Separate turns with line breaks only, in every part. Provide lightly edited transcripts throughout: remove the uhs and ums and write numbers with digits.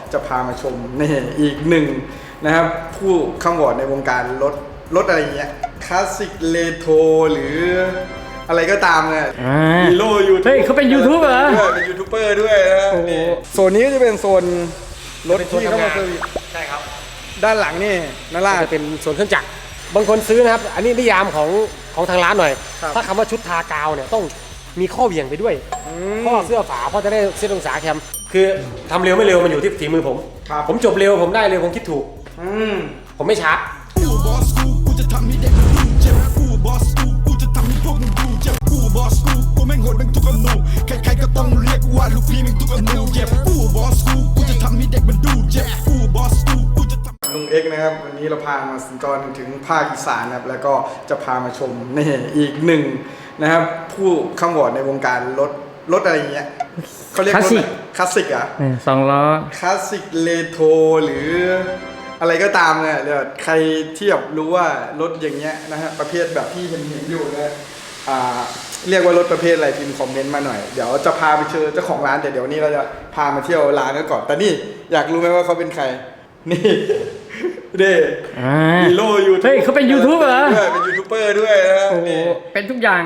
จะพามาชมนี่อีกหนึ่งนะครับผู้ข้ามวอร์ดในวงการรถอะไรเงี้ยคลาสสิกเรโทรหรืออะไรก็ตามเนี่ยฮีโร่ยูทูบ
เฮ้ยเขาเป็นยูทูบเหรอ
เป็นยูทูบเบอร์ด้วยนะโซนนี้ก็จะเป็นโซนรถที่เข้ามาเซอร์วิส
ใช่ครับ
ด้านหลังนี่นั่นล่ะ
จะเป็นโซนเครื่องจักรบางคนซื้อนะครับอันนี้นิยามของทางร้านหน่อยถ้าคำว่าชุดทากาวเนี่ยต้องมีข้อเหวี่ยงไปด้วยข้อเสื้อฝาเพราะจะได้เส้นองศาแคมคือทำเร็วไม่เร็วมันอยู่ที่ฝีมือผมจบเร็วผมได้เร็วผมคิดถูกผมไม่ช้า
แม่งโหดแม่งทุกอนูใครๆก็ต้องเรียกว่าลูกพี่แม่งทุกอนูเจ็บกูบอสกูจะทำให้เด็กมันดูเจ็บกูบอสกูจะทำลุงเอ็กนะครับวันนี้เราพามาสัญจรถึงภาคอีสานนะครับแล้วก็จะพามาชมนี่อีกหนึ่งนะครับผู้ข้ามวอร์ดในวงการรถอะไรเงี้ยเขาเรียกรถคลาสสิกอ่ะ
2 ล้อ
คลาสสิกเรโทรหรืออะไรก็ตามเนี่ยเดี๋ยวใครที่แบบรู้ว่ารถอย่างเงี้ยนะฮะประเภทแบบที่เห็นอยู่นะเรียกว่ารถประเภทอะไรพิมพ์คอมเมนต์มาหน่อยเดี๋ยวจะพาไปเจอเจ้าของร้านแต่เดี๋ยวนี้เราจะพามาเที่ยวร้านกันก่อนแต่นี่อยากรู้ไหมว่าเขาเป็นใครนี่เด้ฮีโร่ยูทูบ
เฮ้ยเขาเป็นยูทูบเหรอ
เป็นยูทูบเบอร์ด้วยนะนี่
เป็นทุกอย่าง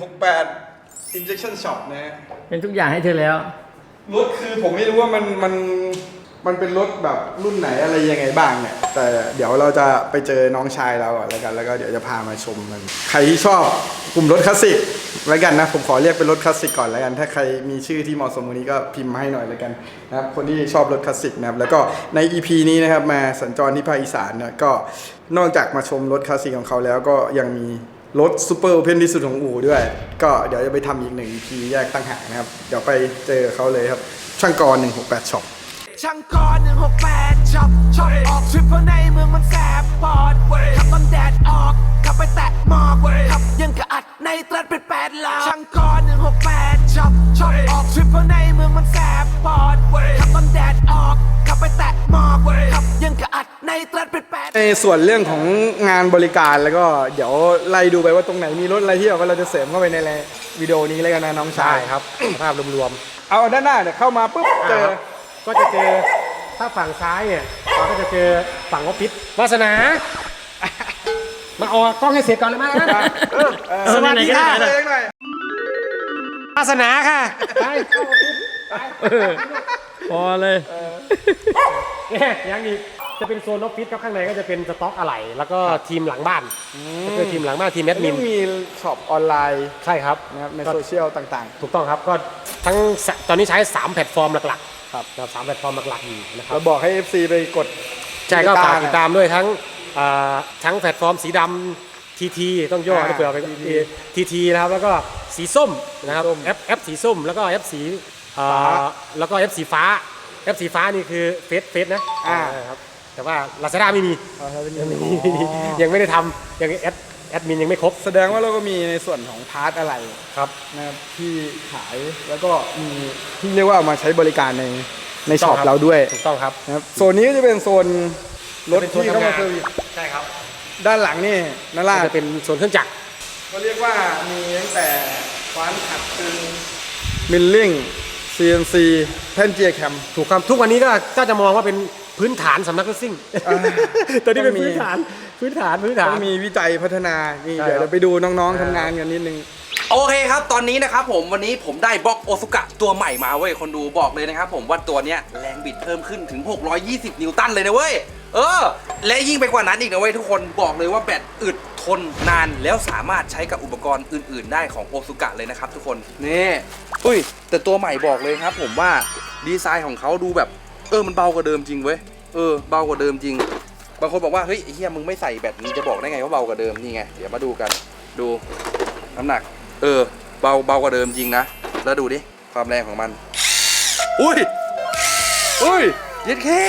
168 Injection Shop นะ
เป็นทุกอย่างให้เธอแล้ว
รถคือผมไม่รู้ว่ามันเป็นรถแบบรุ่นไหนอะไรยังไงบ้างเนี่ยแต่เดี๋ยวเราจะไปเจอน้องชายเราก่อนแล้วกันแล้วก็เดี๋ยวจะพามาชมมันใครที่ชอบกลุ่มรถคลาสสิกแล้วกันนะผมขอเรียกเป็นรถคลาสสิกก่อนแล้วกันถ้าใครมีชื่อที่เหมาะสมวันนี้ก็พิมพ์มาให้หน่อยแล้วกันนะครับคนที่ชอบรถคลาสสิกนะครับแล้วก็ใน EP นี้นะครับมาสัญจรที่ภาคอีสานเนี่ยก็นอกจากมาชมรถคลาสสิกของเขาแล้วก็ยังมีรถซูเปอร์โอเพนที่สุดของอู่ด้วยก็เดี๋ยวจะไปทำอีก1 EP แยกตั้งหากนะครับเดี๋ยวไปเจอเขาเลยครับช่างกร168ช็อป
ช่างกร168ช็อปออกทริปเพราะในเมืองมันแสบปอดขับตอนแดดออกขับไปแตะหมอกขับยังกระอัดในตรัสเป็น8 ล้อช่างกร168ช็อปออกทริปเพราะในเมืองมันแสบปอดขับตอนแดดออกขับไปแตะหมอกขับยังกระอัดในตรัสเป็น8
ในส่วนเรื่องของงานบริการแล้วก็เดี๋ยวไล่ดูไปว่าตรงไหนมีรถอะไรที่เราจะเสริมเข้าไปในวิดีโอนี้เลยกันนะน้องชาย
ครับภาพรวม
ๆเอาด้านหน้าเนี่ยเข้ามาปุ๊บ
ก็จะเจอถ้าฝั่งซ้ายเนี่ยเราก็จะเจอฝั่งออฟฟิศวาสนามาออกกล้องให้เสร็จก่อนเลยมั้ย
สวัสดีค่ะ
วาสนาค่ะไปเข้าออฟฟิศพอเลยเนี่ยยังอีกจะเป็นโซนออฟฟิศครับข้างในก็จะเป็นสต็อกอะไหล่แล้วก็ทีมหลังบ้านก็คือทีมหลังบ้านทีมแอดมิน
มีช็อปออนไลน์
ใช่ครับ
นะครับในโซเชียลต่าง
ๆถูกต้องครับก็ทั้งตอนนี้ใช้3แพลตฟอร์มหลักๆครับ3แพลตฟอร์มหลักๆอยู่นะครับ
เราบอกให้ FC ไปกด
ใช่ก็ฝากติดตามด้วยทั้งแพลตฟอร์มสีดำทีต้องย่อให้เผื่อไปทีนะครับแล้วก็สีส้มนะครับแอปสีส้มแล้วก็แอปสีแล้วก็แอปสีฟ้านี่คือเฟซนะครับแต่ว่า Lazada ไม่มียังไม่ได้ทำยังแอดมินยังไม่ครบ
แสดงว่าเราก็มีในส่วนของพาร์ทอะไร
ครับ
นะครับที่ขายแล้วก็มีที่เรียกว่าเอามาใช้บริการในช็อปเราด้วย
ถูกต้องครับ
นะครับโซนนี้ก็จะเป็นโซนรถที่เข้ามาเซอร์วิส
ใช่ครับ
ด้านหลังนี่นั่นล่ะ
จะเป็นโซนเครื่องจักร
ก็เรียกว่ามีตั้งแต่ฟ้านขัดตึงมิลลิ่ง CNC แท่นเจียร์แคม
ถูกครับทุกวันนี้ก็จะมองว่าเป็นพื้นฐานสำนักรถซิ่งตัวนี้เป็นพื้นฐาน
ต้องมีวิจัยพัฒนานี่เดี๋ยวเราไปดูน้องๆทำงานกันนิดนึง
โอเคครับตอนนี้นะครับผมวันนี้ผมได้บล็อกโอซุกะตัวใหม่มาเว้ยคนดูบอกเลยนะครับผมว่าตัวเนี้ยแรงบิดเพิ่มขึ้นถึง620 นิวตันเลยนะเว้ยและยิ่งไปกว่านั้นอีกนะเว้ยทุกคนบอกเลยว่าแบตอึดทนนานแล้วสามารถใช้กับอุปกรณ์อื่นๆได้ของโอซุกะเลยนะครับทุกคนนี่แต่ตัวใหม่บอกเลยครับผมว่าดีไซน์ของเขาดูแบบมันเบากว่าเดิมจริงเว้ยเบากว่าเดิมจริงบางคนบอกว่าเฮ้ยไอ้เหี้ยมึงไม่ใส่แบตมึงจะบอกได้ไงว่าเบากว่าเดิมนี่ไงเดี๋ยวมาดูกันดูน้ำหนักเบากว่าเดิมจริงนะแล้วดูดิความแรงของมันอุ้ยเย็ดแค่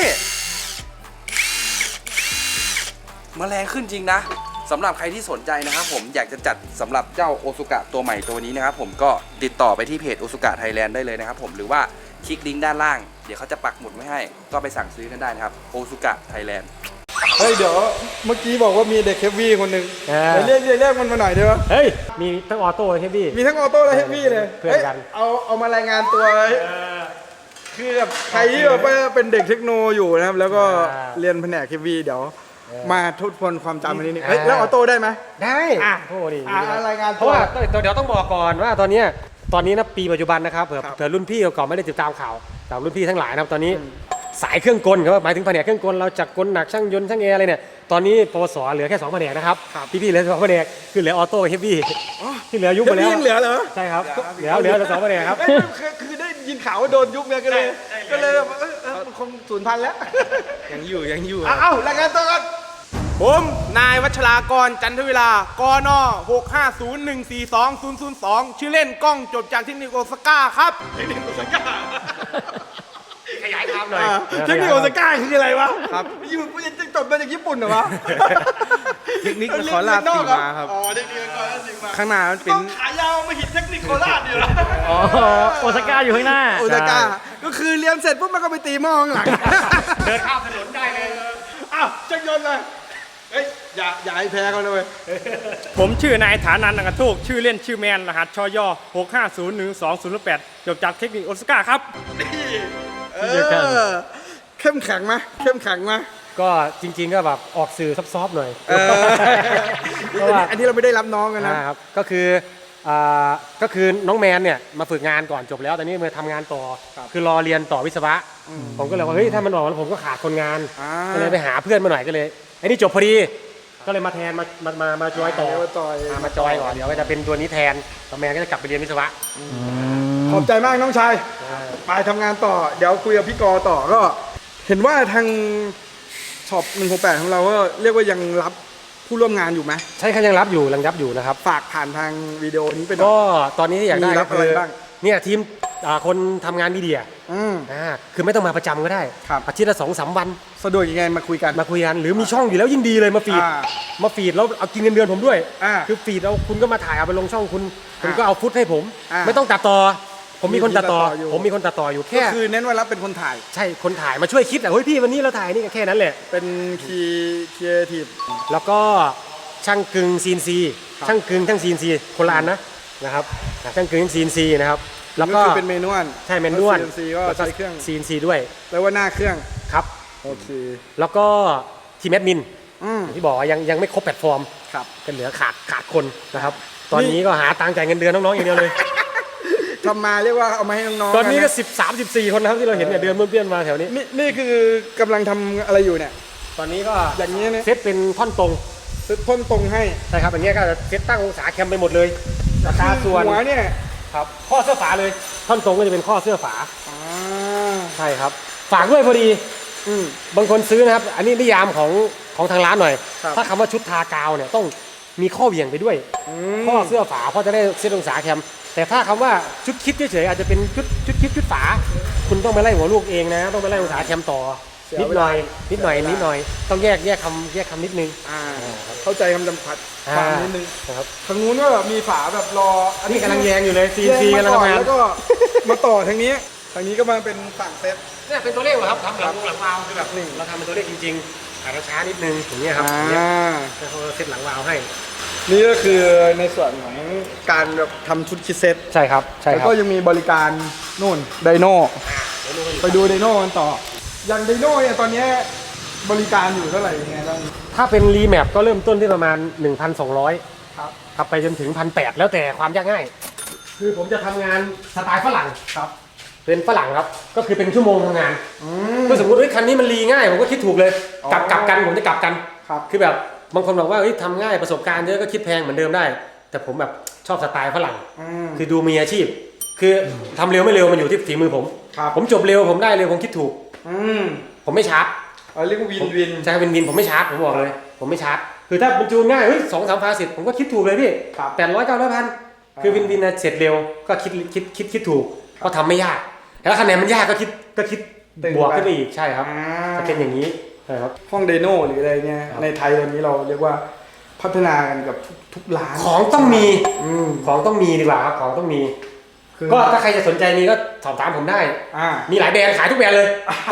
มาแรงขึ้นจริงนะสำหรับใครที่สนใจนะครับผมอยากจะจัดสำหรับเจ้าโอซุกะตัวใหม่ตัวนี้นะครับผมก็ติดต่อไปที่เพจโอซุกะไทยแลนด์ได้เลยนะครับผมหรือว่าคลิกลิงก์ด้านล่างเดี๋ยวเขาจะปักหมุดไว้ให้ก็ไปสั่งซื้อกันได้นะครับโอซุกะไทยแลนด์
เดี๋ยวเมื่อกี้บอกว่ามีเด็กเฮฟวี่คนหนึ่งเรียกมันมาหน่อยได้ปะ
มีทั้งออโต้และเฮฟวี่
มีทั้งออโต้และเฮฟวี่เลย
เพื่อนกัน
เอามารายงานตัวคคือแบบใครที่แบบว่าเป็นเด็กเทคโนอยู่นะครับ แล้วก็
อ่า
เรียนแผนกเควีเดี๋ยวมาทบทวนความจำอันนี้นี่
อ่า
เฮ้ยแล้วออโต้ได้ไหม
ได้
อ่ะ
โอ้ดี
รายงาน
เพราะว่าเดี๋ยวต้องบอกก่อนว่าตอนนี้นะปีปัจจุบันนะครับเผื่อ
ครับ
เผื่อรุ่นพี่เก่าๆไม่ได้ติดตามข่าวแต่รุ่นพี่ทั้งหลายนะครับตอนนี้สายเครื่องกลครับหมายถึงแผนกเครื่องกลเราจักกลหนักช่างยนต์ช่างแอร์อะไรเนี่ยตอนนี้ปวสเหลือแค่2แผนกนะครับพี่ๆเหลือ2แผนกคือเหลือออโต้เฮฟวี่ที่เหลือยุบไปแล้ว
ยังเหลือเหรอ
ใช่ครับเหลือ2แผนกครับ
เอ้ยคือได้ยินข่าวว่าโดนยุบเนี่ยก็เลยแบบมันคงสูญพันธุ์แล้ว
ยังอยู่
เอ้ารายงานตัวก่อน
ผมนายวัชรากรจันทวิลากน650142002 ชื่อเล่นกล้องจบจากเทคนิคโอซาก้าครับ
ขยายความหน่อย
เทคนิคโอซาก้าคืออะไรวะครับอยู่จะจบมาจากญี่ปุ่นเหรอวะ
เทคนิคนครราชสีมาครับ
อ๋อเทคนิคนครราชสีมา
ข้างหน้ามันเป็น
ต้องขายาวมาหินเทคนิคโคราชอยู่แล้ว
อ๋อโอซาก้าอยู่ข้างหน้า
โอซาก้าก็คือเรียนเสร็จปุ๊บมันก็ไปตีหม้อข้างหลัง
เดินข้ามถนนได้เลย
อ้าวช่างยนต์เลยเฮ้ยอย่าให้แพ้เขาเลย
ผมชื่อนายฐานันท์อังกทูกชื่อเล่นชื่อแมนรหัสชย6501208จบจากเทคนิคโอซาก้าครับ
เข้มแข็งไหมเข้มแข็งไหม
ก็จริงๆก็แบบออกสื่อซอฟๆหน่อย เพราะว่า
อันนี้เราไม่ได้รับน้องกันนะ
ครับก็คือก็คือน้องแมนเนี่ยมาฝึกงานก่อนจบแล้วตอนนี้มาทำงานต่อคือรอเรียนต่อวิศวะผมก็เลยว่าเฮ้ยถ้ามันออกแล้วผมก็ขาดคนงานก็เลยไปหาเพื่อนมาหน่อยก็เลยไอ้นี่จบพอดีก็เลยมาแทนมาจอยต่อมาจอยก่อนเดี๋ยวก็จะเป็นตัวนี้แทนต่อแมนก็จะกลับไปเรียนวิศวะ
ขอบใจมากน้องชายไปทำงานต่อเดี๋ยวคุยกับพี่กอต่อก็ เห็นว่าทางช็อป168ของเราก็เรียกว่ายังรับผู้ร่วมงานอยู่ไหม
ใช่เขายังรับอยู่นะครับ
ฝากผ่านทางวิดีโอนี้ไปหน่อย
ก็ตอนนี้ที่อยากได้
มีรั
ก็
บ
คื
อะไร
อ
บ้าง
เนี่ยทีมคนทำงานมีเดีย
อืม
คือไม่ต้องมาประจำก็ได้
ครับ
อาทิตย์ละ2-3 วัน
สะดวกยังไงมาคุยกัน
มาคุยกันหรือมีช่องอยู่แล้วยิ่งดีเลยมาฟีด
อ่า
แล้วเอากินเงินเดือนผมด้วย
อ่า
คือฟีดเอาคุณก็มาถ่ายเอาไปลงช่องคุณก็เอาฟุตให้ผม
อ่า
ไม่ต้องตัดต่อผมมีคนตัดต่อ
มีคนตัดต่ออยู่
ผมมีคนตัดต่ออยู่
ก็
แค่
คือเน้นว่ารับเป็นคนถ่าย
ใช่คนถ่ายมาช่วยคิดเฮ้ยพี่วันนี้เราถ่ายนี่ก็แค่นั้นแหละ
เป็นคีเอทีฟ
แล้วก็ช่างกึ่งซีนซีช่างกึ่งช่างซีนซีโคราณนะครับช่างกึ่งซีนซีนะครับแล้วก็
คือเป็นเมนวล
ใช่เมนด้วน
ซีก็ใช้เครื่อง
ซีนซีด้วย
แล้วว่าหน้าเครื่อง
ครับ
โอเค
แล้วก็ทีมแอดมิน
อืม
อย่างที่บอกว่ายังไม่ครบแพลตฟอร์ม
ครับ
ก็เหลือขาดคนนะครับ ตอนนี้ก็หาตังค์จ่ายเงินเดือนน้องๆอย่างเดียวเลย
ทำมาเรียกว่าเอามาให้น้องๆ
ตอนนี้ก็
ะ
13-14 คนนะครับที่เราเห็นเนี่ยเดือนเพื่อนๆมาแถวนี้
นี่คือกำลังทำอะไรอยู่เนี่ย
ตอนนี้ก็
อย่างนี้เนี่ย
เซตเป็นท่อนตรง
ซื้อพ่นตรงให้
ใช่ครับอย่างเงี้ยก็จะเซตตั้งองศาแคมไปหมดเลยราคาส่วน
หัวเนี่ย
ครับข้อเสื้อฝาเลย ท่อนตรงก็จะเป็นข้อเสื้อฝา
อ่า
ใช่ครับ ฝากด้วยพอดี
อืม
บางคนซื้อนะครับ อันนี้นิยามของทางร้านหน่อย
ครับ
ถ้าคำว่าชุดทากาวเนี่ยต้องมีข้อเหวี่ยงไปด้วย
ม
ข้อเสื้อฝาเพราะจะได้เซตองศาแคม แต่ถ้าคำว่าชุดคิดเฉยๆอาจจะเป็นชุดคิดชุดฝา คุณต้องไปไล่หัวลูกเองนะ ต้องไปไล่องศาแคมต่อ นิดหน่อยต้องแยกคำนิดนึง
อ่าเข้าใจคำจำกัดความนิดนึง
นะครับ
ทางนู้นก็แบบมีฝาแบบรอ
อันนี้กำลังแยงอยู่เลย
แย
CNC
ง
กำลัง
มาก่อน
ทำงาน
แล้วก็มาต่อทางนี้ทางนี้ก็มาเป็นฝั่งเซต
เนี่ยเป็นตัวเลขเหรอครับทำหลังวาล์วคือแบบเราทำเป็นตัวเลขจริงๆอาจจะช้านิดนึงอย่างเงี้ยครับอย่างเงี้ยแล้วเขาเซตหลังวาล์วให้
นี่ก็คือในส่วนของการแบบทำชุดคิดเซต
ใช่ครับใช่
แล้ว
ครับ
ก็ยังมีบริการนู่นไดโน่ไปดูไดโน่กันต่ออย่างไดโน่เนี่ยตอนเนี้ยบริการอยู่เท่าไหร่ยังไงบ้าง
ถ้าเป็นรีแมปก็เริ่มต้นที่ประมาณ 1,200
ครับ
ครับไปจนถึง 1,800 แล้วแต่ความยากง่าย คือผมจะทำงานสไตล์ฝรั่ง
ครับ
เป็นฝรั่งครับ ก็คือเป็นชั่วโมงทำงานก็สมมติว่าคันนี้มันรีง่ายผมก็คิดถูกเลย กลับกันผมจะกลับกัน
ครับ
คือแบบบางคนบอกว่าเฮ้ยทำง่ายประสบการณ์เยอะก็คิดแพงเหมือนเดิมได้ แต่ผมแบบชอบสไตล์ฝรั่ง คือดูมีอาชีพ คือทำเร็วไม่เร็วมันอยู่ที่ฝีมือผม
ครับ
ผมจบเร็วผมได้เร็วผมคิดถูก
อืม
ผมไม่ชาร์จ
เรียกว่าวิน
ใช่วินผมไม่ชาร์จผมบอกเลย ผมไม่ชาร์จคือถ้ามันจูนง่ายเฮ้ย2-3 ฟาสิตผมก็คิดถูกเลยพี่
ครับ
800-900 คือวินนะเสร็จเร็วก็คิดถูกก็ทำไม่ยากแล้วคะแนนมันยากก็คิดบวกขึ้นไปอีกใช่ครับจะเป็นอย่างนี้ใช่ครับ
ห้องไดโน่หรืออะไรเนี่ยในไทยตอนนี้เราเรียกว่าพัฒนากันกับทุกร้าน
ของต้องมีของต้องมีดีกว่าครับของต้องมี
คือ
ก็ถ้าใครจะสนใจนี้ก็สอบถามผมได้
อ่า
มีหลายแบรนด์ขายทุกแบรนด์เลยแต่เนี่ย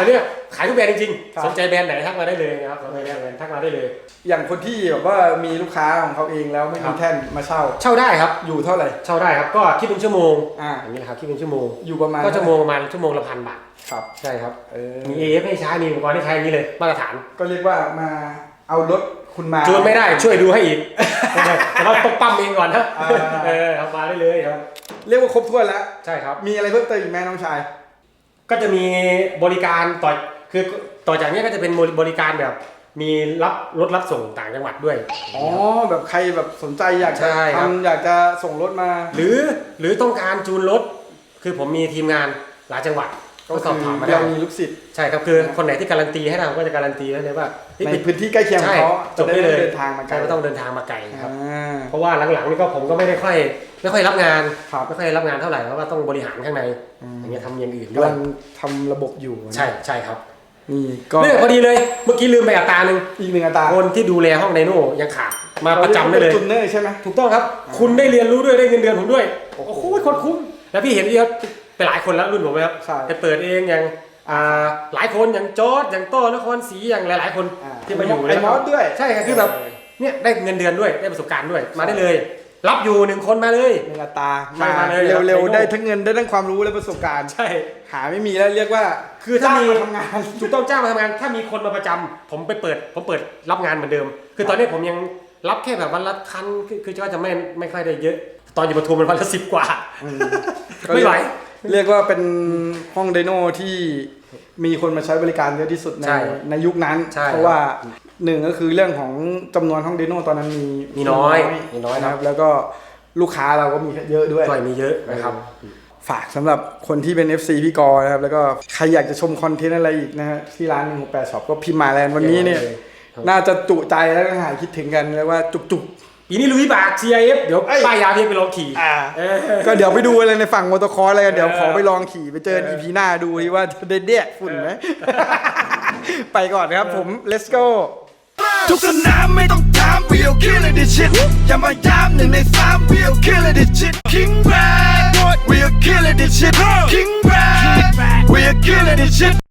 ขายทุกแบรนด์จริง
ครับ
ๆสนใจแบรนด์ไหนทักมาได้เลยนะครับสนใจแบรนด์ไหนทักมาได้เลย
อย่างคนที่แบบว่ามีลูกค้าของเขาเองแล้วไม่
ครั
มี
บ
แท่นมาเช่า
เช่าได้ครับ
อยู่เท่าไหร่
เช่าได้ครับก็คิดเป็นชั่วโมง
อ่า
อย่างนี้นะครับคิดเป็นชั่วโมง
อยู่ประมาณ
ก็ชั่วโมงประมาณชั่วโมงละ1,000 บาท
ครับ
ใช่ครับ
เออ
มี AF ให้ใช้มีอุปกรณ์ให้ใช้อย่างนี้เลยมาตรฐาน
ก็เรียกว่ามาเอารถคุณมา
จูนไม่ได้ช่วยดูให้อีก แต่เราต้องปั๊มเองก่อนนะ
อ่า
ทำมาได้เลยครับ
เรียกว่าครบถ้วนแล้ว
ใช่ครับ
มีอะไรเพิ่มเติมอีกไหมน้องชาย
ก็จะมีบริการต่อจากนี้ก็จะเป็นบริการแบบมีรับรถรับส่งต่างจังหวัดด้วย
อ๋อแบบใครแบบสนใจอยากจะ
ใช่ครับ
ทำอยากจะส่งรถมา
หรือต้องการจูนรถคือผมมีทีมงานหลายจังหวัดก็สอบถามมาได้
เรามีลูกศิษย์
ใช่ครับคือคนไหนที่การันตีให้เราก็จะการันตีให้เลยว่าเฮ้ย
ในพื้นที่ใกล้เคียงของ
ใช่
เขา
จบได้เลย
เดินทางมาไกล
ใช่ไม่ต้องเดินทางมาไกลครับ
อ่า
เพราะว่าหลังๆนี่ก็ผมก็ไม่ค่อยรับงาน
ครับ
ไม่ค่อยรับงานเท่าไหร่เพราะว่าต้องบริหารข้างในอย่างเงี้ยทำอย่างอื่นด้
กำ
วย
ลังทำระบบอยู่นะ
ใช่ครับ
นี่ก็
เนี่ยพอดีเลยเมื่อกี้ลืมไปอัตราหนึ่ง
อีกหนึ่งอัตรา
คนที่ดูแลห้องไดโน่ยังขาดมาประจำได้เลย
จุนเนอร์ใช่ไหม
ถูกต้องครับ คุณได้เรียนรู้ด้วยได้เงินเดือนผมด้วยโอ้โหโคตรคุ้มแล้วพี่เห็นเยอะไปหลายคนแล้วรุ่นผมไหมครับ
ใช่
ไปเปิดเองอย่างหลายคนอย่างจอร์ดอย่างโต้นครศรีอย่างหลายๆคน
อ่า
ที่มาอยู่
ไอ้มอสด้วย
ใช่ครับคือแบบเนี่ยได้เงินเดือนด้วยได้ประสบการณ์ด้วยมาได้เลย รับอยู่1 คนมาเลย
หนึ่งอัตรา
ใช่
มา
มาเลย
เร็ว
ครับ
ๆได้ทั้งเงินได้ทั้งความรู้และประสบการณ์
ใช่
หาไม่มีแล้วเรียกว่า
คือถ้ามี
จ้งทำงาน
ถูกต้องจ้างมาทำงานถ้ามีคนมาประจำผมเปิดรับงานเหมือนเดิม คือตอนนี้ผมยังรับแค่แบบวันละคันคือก็จะไม่ค่อยได้เยอะ ตอนอยู่ปทุมมันวันละ10 กว่า ไม่ไหว
เรียกว่าเป็นห้องไดโน่ที่มีคนมาใช้บริการเยอะที่สุดใน
ใช่
ในยุคนั้น
ใช่
เพราะว่าหนึ่งก็คือเรื่องของจำนวนห้องไดโน่ตอนนั้นมี
น้อยครับ
แล้วก็ลูกค้าเราก็มีเยอะด้วย
ด้วยมีเยอะนะครับ
ฝากสำหรับคนที่เป็น FC พี่กอนะครับแล้วก็ใครอยากจะชมคอนเทนต์อะไรอีกนะฮะที่ร้าน168 Shop ก็พิมพ์มาแล้ววันนี้เนี่ย
ครับ
น่าจะจุใจแล้วก็หายคิดถึงกันแล้วว่าจุก
ปีนี้ลุยบาก CIF เดี๋ยว
เอ้ย
ป้ายยาเพียงไปลองขี่
ๆก็เดี๋ยวไปดูอะไรในฝั่งมอเตอร์คอร์สอะไรกันเดี๋ยวขอไปลองขี่ไปเจอ EP หน้าดูที่ว่าจะได้เด็กฝุ่นไหม ไปก่อนนะครับผม let's go
ทุกสนามไม่ต้องถาม we'll kill it this shit อย่ามาย้ำ1 ใน 3 we'll kill it this shit King Brad we'll kill it this shit King Brad we'll kill it this shit